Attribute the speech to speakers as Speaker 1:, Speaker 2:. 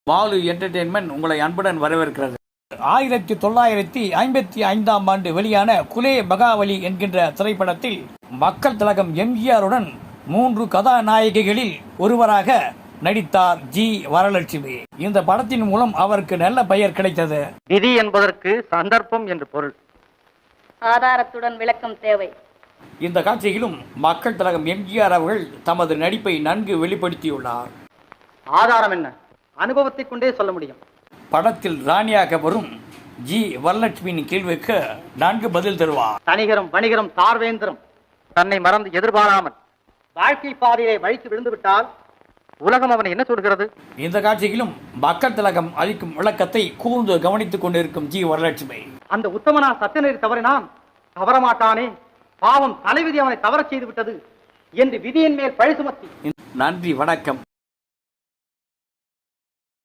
Speaker 1: Balu entertainment உங்களை அன்புடன் வரவேற்கிறது. 1955 வெளியான குலே பகாவலி என்கின்ற திரைப்படத்தில் மக்கள் திலகம் எம்ஜிஆருடன் 3 கதாநாயகிகளில் ஒருவராக நடித்தார் ஜி வரலட்சுமி. இந்த படத்தின் மூலம் அவருக்கு நல்ல பெயர் கிடைத்தது.
Speaker 2: விதி என்பதற்கு சந்தர்ப்பம் என்று பொருள்.
Speaker 3: ஆதாரத்துடன் விளக்கம் தேவை.
Speaker 1: இந்த காட்சியிலும் மக்கள் திலகம் எம்ஜிஆர் அவர்கள் தமது நடிப்பை நன்கு வெளிப்படுத்தியுள்ளார்.
Speaker 2: ஆதாரம் என்ன? அனுபவத்தை கொண்டே சொல்ல முடியும்.
Speaker 1: படத்தில் ராணியாக வரும் ஜி வரலட்சுமியின் கேள்விக்கு நன்கு பதில் தருவார்.
Speaker 2: தனிகரம் வணிகரம் தார்வேந்திரம் தன்னை மறந்து எதிர்பாராமல் வாழ்க்கை பாதையை வழித்து விழுந்து விட்டால் உலகம் அவனை என்ன சொல்கிறது?
Speaker 1: இந்த காட்சியிலும் மக்கள் திலகம் அளிக்கும் விளக்கத்தை கூர்ந்து கவனித்துக் கொண்டிருக்கும் ஜி வரலட்சுமி,
Speaker 2: அந்த உத்தமனா சத்தியநெறி தவறினான், தவறமாட்டானே, பாவம் தலைவிதி அவனை தவறச் செய்து விட்டது என்று விதியின் மேல் பழி சுமத்தி.
Speaker 1: நன்றி, வணக்கம்.